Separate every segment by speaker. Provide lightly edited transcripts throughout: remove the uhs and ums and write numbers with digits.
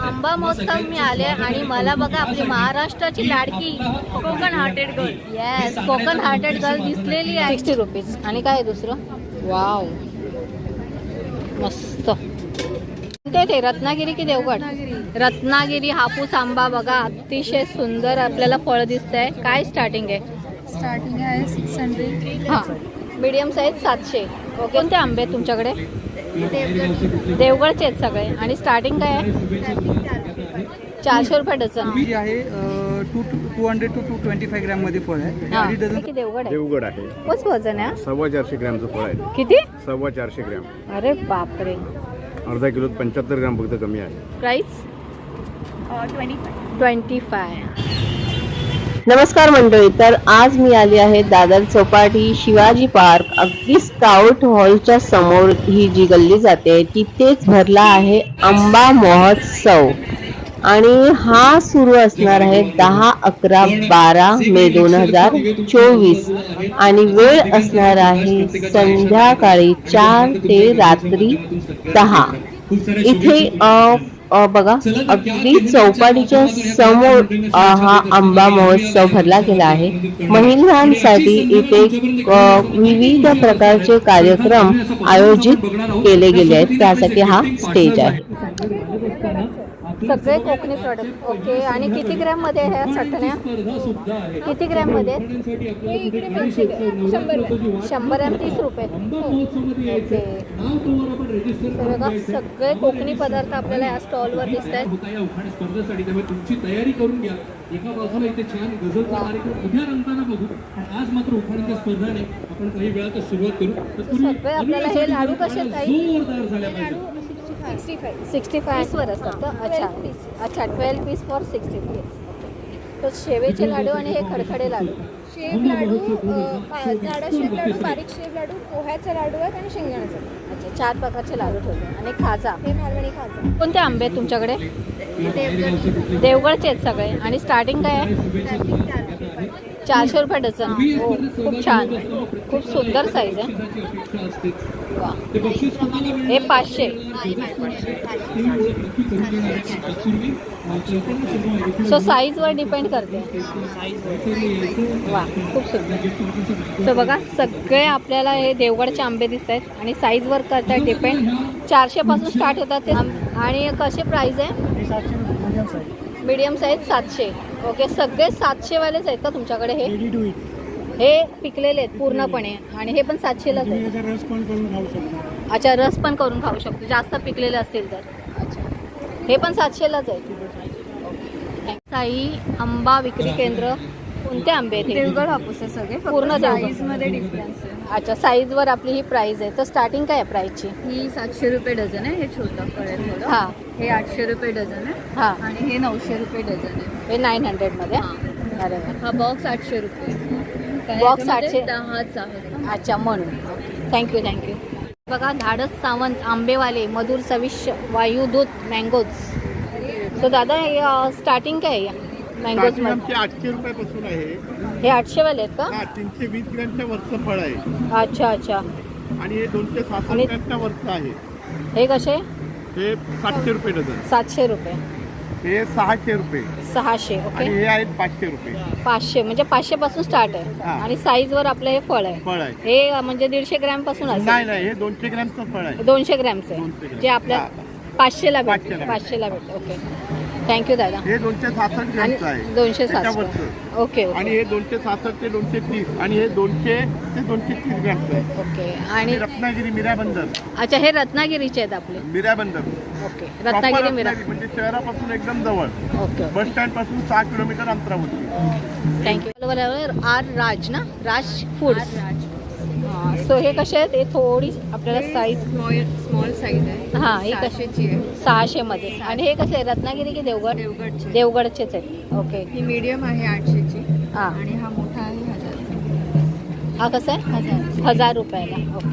Speaker 1: आंबा महोत्सव मी आले आणि मला बघा आपली महाराष्ट्राची लाडकी
Speaker 2: Konkan hearted girl.
Speaker 1: Yes Konkan hearted girl दिसलेली आहे. 60 रुपीज. आणि काय आहे दुसरं? वाव मस्त. ते रत्नागिरी की देवगड? रत्नागिरी हापूस आंबा बघा अतिशय सुंदर आपल्याला फळ दिसत आहे. काय स्टार्टिंग आहे?
Speaker 2: स्टार्टिंग आहे 600.
Speaker 1: हां मीडियम साईज 700. ओके. कोणते आंबे आहेत तुमच्याकडे? देवगडचे आहेत सगळे. आणि स्टार्टिंग काय आहे? 400 रुपये डझन.
Speaker 3: जी आहे 200 to 225 ग्रॅम मध्ये फळ आहे.
Speaker 1: हां की देवगड आहे?
Speaker 4: देवगड आहे.
Speaker 1: कोच वजन आहे?
Speaker 4: 450 ग्रॅमचं फळ आहे.
Speaker 1: किती?
Speaker 4: 450 ग्रॅम.
Speaker 1: अरे बापरे.
Speaker 4: अर्धा किलोत 75 ग्रॅम फक्त कमी आहे.
Speaker 1: प्राइस 25.
Speaker 5: नमस्कार मंडळी. तर आज मी आली आहे दादर चौपाटी शिवाजी पार्क अगदी स्काउट हॉलच्या समोर ही जी गल्ली जाते तिथेच भरला आहे आंबा महोत्सव आणि हा सुरू असणार आहे 10, 11, 12 मे 2024 आणि वेळ असणार आहे संध्याकाळी 4 ते रात्री 10. इथे बघा अगदी चौपाटीच्या समोर हा आंबा महोत्सव भरला गेला आहे. महिलांसाठी इथे विविध प्रकारचे कार्यक्रम आयोजित केले गेले आहेत. त्यासाठी हा स्टेज आहे.
Speaker 1: सगळे कोकणी प्रोडक्ट. ओके. आणि किती ग्रॅम मध्ये ह्या चटण्या? किती ग्रॅम मध्ये? 100 ग्रॅम 30 रुपये. ओके. बघा सगळे कोकणी पदार्थ आपल्याला या स्टॉलवर दिसत आहेत.
Speaker 6: तुमची तयारी करून घ्या. एका बाजूला इथे छान गझलचा कार्यक्रम उद्या रंगताना बघू. आज मात्र उखाण्याच्या स्पर्धाने आपण काही वेळात सुरुवात करू.
Speaker 1: सगळे आपल्याला हे लाडू कसे
Speaker 6: जोरदार झाल्या पाहिजे.
Speaker 1: 65 वर असतात. अच्छा अच्छा 12 पीस फॉर 60 रुपीज. तो शेवेचे लाडू आणि हे खडखडे लाडू.
Speaker 2: शेव लाडू, जाडा शेव लाडू, बारीक शेव लाडू, पोह्याचा लाडू आहेत आणि शेंगदाण्याचा.
Speaker 1: अच्छा 4 प्रकारचे लाडू ठेवले. आणि खाजा.
Speaker 2: हे मालवणी खाजा.
Speaker 1: कोणते आंबे आहेत तुमच्याकडे? देवगडचे आहेत सगळे. आणि स्टार्टिंग काय आहे? 400 रुपये डझन. हो खूप छान. खूप सुंदर साईज आहे. वा. हे 500. सो साईजवर डिपेंड करते. वा खूप सुंदर. सो बघा सगळे आपल्याला हे देवगडचे आंबे दिसत आहेत आणि साईजवर करतात डिपेंड. 400 पासून स्टार्ट होतात ते. आणि कसे प्राइस आहे? Medium size 700. ओके. सगळे 700 वालेच आहेत का तुमच्याकडे? हे पिकलेले आहेत पूर्णपणे आणि हे पण 700लाच आहे.
Speaker 3: रस पण करून खाऊ शकतो.
Speaker 1: अच्छा रस पण करून खाऊ शकतो जास्त पिकलेले असतील तर. अच्छा हे पण 700लाच आहे. साई आंबा विक्री केंद्र. कोणते आंबे आहेत?
Speaker 2: देवगड हापूस आहे सगळे.
Speaker 1: पूर्ण
Speaker 2: साईज मध्ये डिफरन्स आहे.
Speaker 1: अच्छा साईजवर आपली ही प्राइस आहे. तर स्टार्टिंग काय आहे प्राइसची?
Speaker 2: ही 700 रुपये डझन आहे. हे छोटं फळ आहे थोडं.
Speaker 1: हां
Speaker 2: हे 800 रुपये डझन आहे.
Speaker 1: हां.
Speaker 2: आणि हे 900 रुपये डझन आहे.
Speaker 1: हे 900 मध्ये. अरे वा.
Speaker 2: हा बॉक्स 800 रुपये.
Speaker 1: बॉक्स 800.
Speaker 2: 10च आहे.
Speaker 1: अच्छा म्हणून. Thank you thank you. बघा धाडस सावंत आंबेवाले मधुर चविष्ट वायुदूत मँगोज. सो दादा स्टार्टिंग काय आहे मँगोज मध्ये?
Speaker 7: 800 रुपयापासून आहे.
Speaker 1: हे 800 वाले आहेत का?
Speaker 7: 320 ग्रॅमच्या वरचं फळ आहे.
Speaker 1: अच्छा अच्छा.
Speaker 7: आणि हे 266 ग्रॅमच्या वरचं आहे.
Speaker 1: हे कसे?
Speaker 7: हे 700 रुपये डझन.
Speaker 1: 700 रुपये.
Speaker 7: हे 600 रुपये.
Speaker 1: 600. ओके.
Speaker 7: आणि हे आहेत 500 रुपये.
Speaker 1: 500 म्हणजे 500 पासून स्टार्ट आहे.
Speaker 7: हां.
Speaker 1: आणि साईजवर आपलं हे फळ आहे.
Speaker 7: फळ आहे.
Speaker 1: हे म्हणजे 150 ग्रॅम पासून
Speaker 7: नाही
Speaker 1: असेल.
Speaker 7: नाही हे 200 ग्रॅमचं फळ आहे.
Speaker 1: 200 ग्रॅमचं
Speaker 7: 200
Speaker 1: आहे
Speaker 7: ग्रॅम.
Speaker 1: जे आपल्या 500ला भेटतं.
Speaker 7: 500
Speaker 1: 500ला भेटतं. ओके थँक्यू दादा.
Speaker 7: हे 266
Speaker 1: आणि
Speaker 7: ग्रॅमचं आहे.
Speaker 1: 260.
Speaker 7: त्याच्यावरचं.
Speaker 1: ओके
Speaker 7: आणि
Speaker 1: ओके
Speaker 7: हे 266 ते 230 आणि हे 200 ते 230 ग्रॅमचं आहे.
Speaker 1: ओके.
Speaker 7: आणि
Speaker 1: आणि
Speaker 7: रत्नागिरी मीराबंदर.
Speaker 1: अच्छा हे रत्नागिरीचे आहेत आपले.
Speaker 7: मीराबंदर.
Speaker 1: Okay
Speaker 7: Proper
Speaker 1: Ratnagiri Mira.
Speaker 7: रत्नागिरी म्हणजे शहरापासून एकदम जवळ.
Speaker 1: ओके
Speaker 7: बस स्टँड पासून 6 किलोमीटर अंतरावरती.
Speaker 1: थँक्यू. बरोबर. आर राज ना? राज फूड्स. सो हे कसे आहेत? हे थोडी आपल्याला साईज
Speaker 2: स्मॉल साईज आहे.
Speaker 1: हां ही कशी?
Speaker 2: 600ची आहे.
Speaker 1: 600 मध्ये. आणि हे कसे रत्नागिरी की देवगड?
Speaker 2: देवगडची.
Speaker 1: देवगडचेच आहेत. ओके.
Speaker 2: ही मीडियम आहे 800ची.
Speaker 1: हां.
Speaker 2: आणि हा मोठा आहे 1000.
Speaker 1: हा कसा आहे? 1000 रुपयाला. ओके.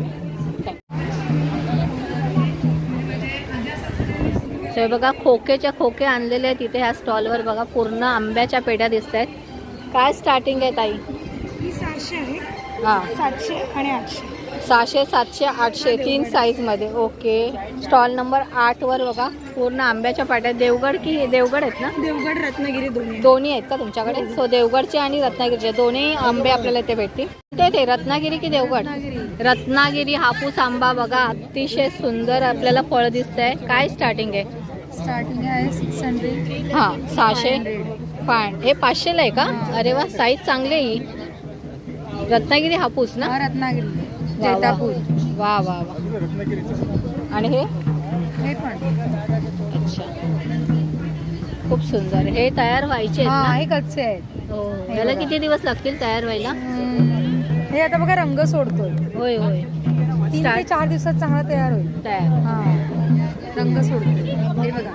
Speaker 1: हे बघा खोकेच्या खोके आणलेले आहेत इथे ह्या स्टॉलवर. बघा पूर्ण आंब्याच्या पेढ्या दिसत आहेत. काय स्टार्टिंग आहे ताई?
Speaker 2: ही 700 आहे.
Speaker 1: हां
Speaker 2: 700 आणि 800.
Speaker 1: 600, 700, 800 3 साईजमध्ये. ओके. स्टॉल नंबर 8 वर बघा पूर्ण आंब्याच्या पाट्या. देवगड की देवगड आहेत ना?
Speaker 2: देवगड रत्नागिरी
Speaker 1: दोन्ही आहेत का तुमच्याकडे? सो देवगडचे आणि रत्नागिरीचे दोन्ही आंबे आपल्याला इथे भेटतील. ते रत्नागिरी की देवगड? रत्नागिरी हापूस आंबा बघा अतिशय सुंदर आपल्याला फळ दिसतंय. काय स्टार्टिंग आहे?
Speaker 2: स्टार्टिंग आहे 600.
Speaker 1: हां 600. हे 500ला आहे का? अरे वा, साईज चांगली आहे ही. रत्नागिरी हापूस ना?
Speaker 2: रत्नागिरी
Speaker 1: वा वा.
Speaker 2: जैतापूर.
Speaker 1: वा वा वा. आणि हे
Speaker 2: हे पण
Speaker 1: अच्छा खूप सुंदर. हे तयार व्हायचे आहेत ना?
Speaker 2: हे कच्चे आहेत.
Speaker 1: हो. याला किती दिवस लागतील तयार व्हायला?
Speaker 2: हे आता बघा रंग सोडतोय.
Speaker 1: होय होय.
Speaker 2: 3 ते 4 दिवसात चांगला तयार होईल.
Speaker 1: तयार.
Speaker 2: हा रंग सोडतोय. हे बघा.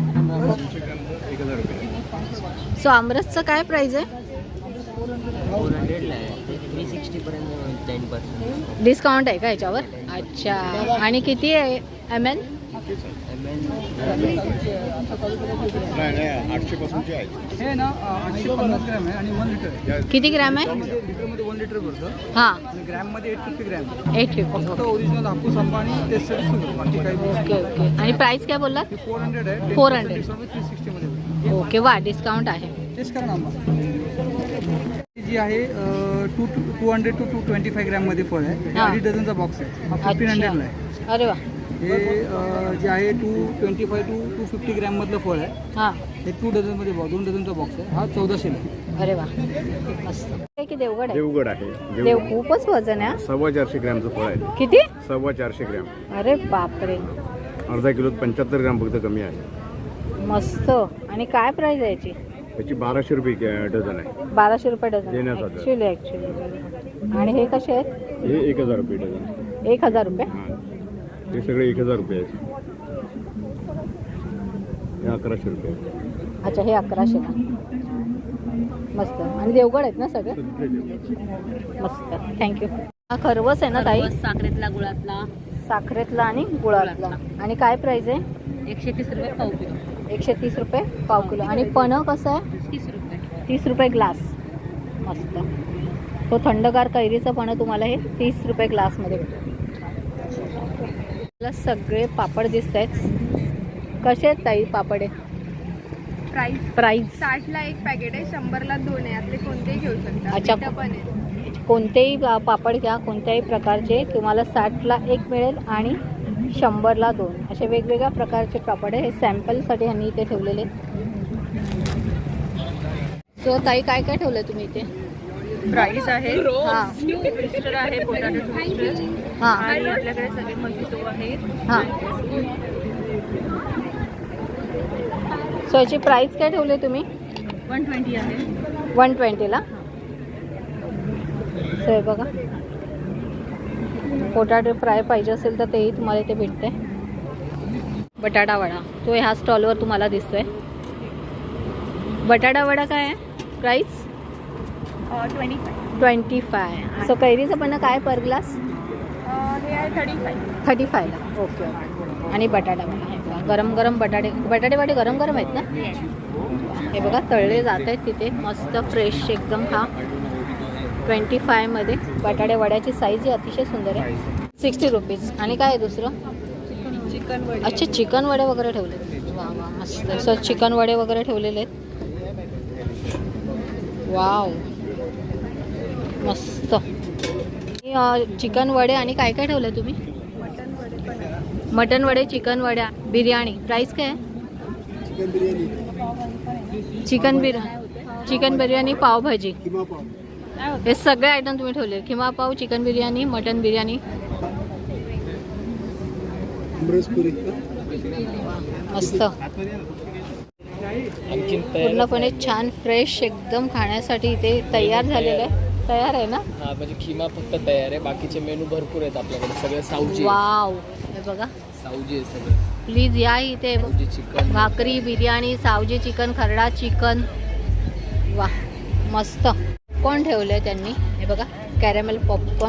Speaker 1: सो आमरसचं काय प्राइस आहे?
Speaker 8: 360
Speaker 1: डिस्काउंट आहे का याच्यावर? अच्छा. आणि किती आहे ML?
Speaker 4: 800 पासूनचे आहेत.
Speaker 3: हे ना 850 ग्रॅम आहे आणि 1 लिटर आहे.
Speaker 1: किती ग्रॅम आहे?
Speaker 3: लिटरमध्ये 1 लिटर भरतं
Speaker 1: हां
Speaker 3: आणि ग्रॅममध्ये 850 ग्रॅम.
Speaker 1: 850.
Speaker 3: फक्त ओरिजिनल हापूस आंबा आणि टेस्टसाठी सुरू. बाकी काही
Speaker 1: ओके ओके. आणि प्राइस काय बोललात?
Speaker 3: 400 आहे.
Speaker 1: 400.
Speaker 3: 360 मध्ये.
Speaker 1: ओके. वा, डिस्काउंट आहे.
Speaker 3: टेस्ट करा ना आंबा. जी आहे 200 to 225 ग्रॅममध्ये फळ आहे.
Speaker 1: हां.
Speaker 3: 2.5 डझनचा बॉक्स आहे. हा 1500ला आहे.
Speaker 1: अरे वा.
Speaker 3: हे जे आहे 225 to 250 ग्रॅममधलं फळ आहे.
Speaker 1: हां.
Speaker 3: हे 2 डझनमध्ये 2 डझनचा बॉक्स आहे. हा 1400ला आहे.
Speaker 1: अरे वा, मस्त. हे की देवगड आहे?
Speaker 4: देवगड आहे.
Speaker 1: देव खूपच वजन आहे.
Speaker 4: 450 ग्रॅमचं फळ आहे.
Speaker 1: किती?
Speaker 4: 450 ग्रॅम.
Speaker 1: अरे बापरे.
Speaker 4: अर्धा किलोत 75 ग्रॅम फक्त कमी आहे.
Speaker 1: मस्त. आणि काय प्राइस आहे याची?
Speaker 4: त्याची 1200 रुपये डझन आहे.
Speaker 1: 1200 रुपये डझन.
Speaker 4: देण्यासाठी.
Speaker 1: ॲक्च्युली. आणि हे कसे आहेत?
Speaker 4: हे 1000 रुपये डझन.
Speaker 1: 1000 रुपये.
Speaker 4: हां, हे सगळे 1000 रुपये आहेत. हे 1100 रुपये आहेत.
Speaker 1: अच्छा, हे 1100ला. मस्त. आणि देवगड आहेत ना सगळे? मस्त. थँक्यू. हा खरवस आहे ना ताई?
Speaker 8: साखरेतला गुळातला
Speaker 1: साखरेतला आणि गुळातला. आणि काय प्राइस आहे?
Speaker 8: 130 रुपये पाव किलो.
Speaker 1: 130 रुपये पाव किलो. आणि पणं कसं आहे?
Speaker 8: 30 रुपये.
Speaker 1: 30 रुपये ग्लास. मस्त. तो थंडगार कैरीचं पणं तुम्हाला हे 30 रुपये ग्लासमध्ये भेटेल. मला सगळे पापड दिसत आहेत. कसे आहेत ताई पापड आहे? प्राईस
Speaker 2: 60ला एक पॅकेट आहे. 100ला 2 आहे. यातले कोणतेही घेऊ शकता.
Speaker 1: अच्छा.
Speaker 2: पिठं पण आहे.
Speaker 1: कोणतेही पापड घ्या, कोणत्याही प्रकारचे तुम्हाला 60ला 1 मिळेल आणि 100ला 2. असे वेगवेगळ्या प्रकारचे पापड आहे. हे सॅम्पलसाठी ह्यांनी इथे ठेवलेले. सो ताई काय काय ठेवलं तुम्ही इथे?
Speaker 2: प्राईस आहे.
Speaker 1: हां
Speaker 2: मिक्सचर आहे. Potato mixture.
Speaker 1: हां
Speaker 2: आणि आपल्याकडे सगळे मजितो आहेत.
Speaker 1: हां. सो याची प्राईस काय ठेवली तुम्ही?
Speaker 2: 120 आहे.
Speaker 1: 120ला. सो हे बघा, पोटॅटो फ्राय पाहिजे असेल तर तेही तुम्हाला इथे भेटते. बटाटा वडा तो ह्या स्टॉलवर तुम्हाला दिसतोय. बटाटा वडा काय आहे प्राईस? 25. सो कैरीचं पण काय पर ग्लास?
Speaker 2: हे आहे
Speaker 1: 35ला. ओके. आणि बटाटा वडा आहे बघा. गरम गरम बटाटे वाटे गरम गरम आहेत ना? हे बघा तळले जात आहेत तिथे. मस्त फ्रेश एकदम. हा 25मध्ये बटाटे वड्याची साईज ही अतिशय सुंदर आहे. 60 रुपीज. आणि काय आहे दुसरं?
Speaker 2: चिकन वडे.
Speaker 1: अच्छा, चिकन वडे वगैरे ठेवले. वा वा, मस्त. सो चिकन वडे वगैरे ठेवलेले आहेत. वाव, मस्त. चिकन वडे आणि काय काय ठेवलं तुम्ही? मटन वडे, चिकन वड्या, बिर्याणी. प्राईस काय आहे? चिकन बिर्याणी, पावभाजी. हे सगळे आयटम तुम्ही ठेवले. किमा पाव, चिकन बिर्याणी, मटन बिर्याणी. मस्त. पूर्णपणे छान फ्रेश एकदम खाण्यासाठी इथे तयार झालेलं आहे. तयार आहे ना?
Speaker 9: हा, म्हणजे खिमा फक्त तयार आहे. बाकीचे मेनू भरपूर आहेत आपल्याकडे. सगळे सावजी.
Speaker 1: वाव, हे बघा
Speaker 9: सावजी आहे सगळे.
Speaker 1: प्लीज या इथे.
Speaker 9: सावजी चिकन,
Speaker 1: भाकरी, बिर्याणी, सावजी चिकन, खरडा चिकन. वा, मस्त. पॉपकॉर्न ठेवलंय त्यांनी. हे बघा, कॅरेमेल पॉपकॉर्न.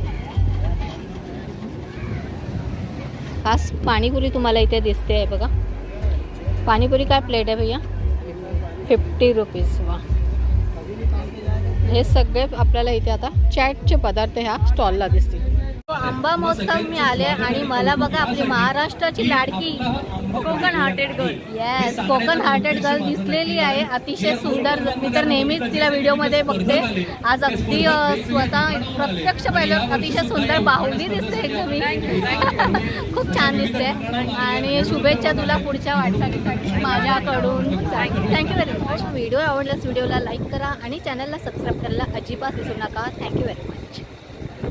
Speaker 1: खास पाणीपुरी तुम्हाला इथे दिसते आहे बघा. पाणीपुरी काय प्लेट आहे भैया? 50 रुपीज. वा, हे सगळे आपल्याला इथे आता चॅटचे पदार्थ ह्या स्टॉलला दिसतील. आंबा महोत्सव मी आले आणि मला बघा आपली महाराष्ट्राची लाडकी
Speaker 8: Konkan hearted girl.
Speaker 1: Yes Konkan hearted girl दिसलेली आहे. अतिशय सुंदर. मी तर नेहमीच तिला व्हिडिओमध्ये बघते. आज अगदी स्वतः प्रत्यक्ष पाहिलं अतिशय सुंदर बाहुली दिसते एकदम ही. खूप छान दिसते आणि शुभेच्छा तुला पुढच्या वाटचालीसाठी माझ्याकडून. Thank you very much. व्हिडिओ आवडल्यास व्हिडिओला लाईक करा आणि चॅनलला सबस्क्राईब करायला अजिबात विसरू नका. Thank you very much.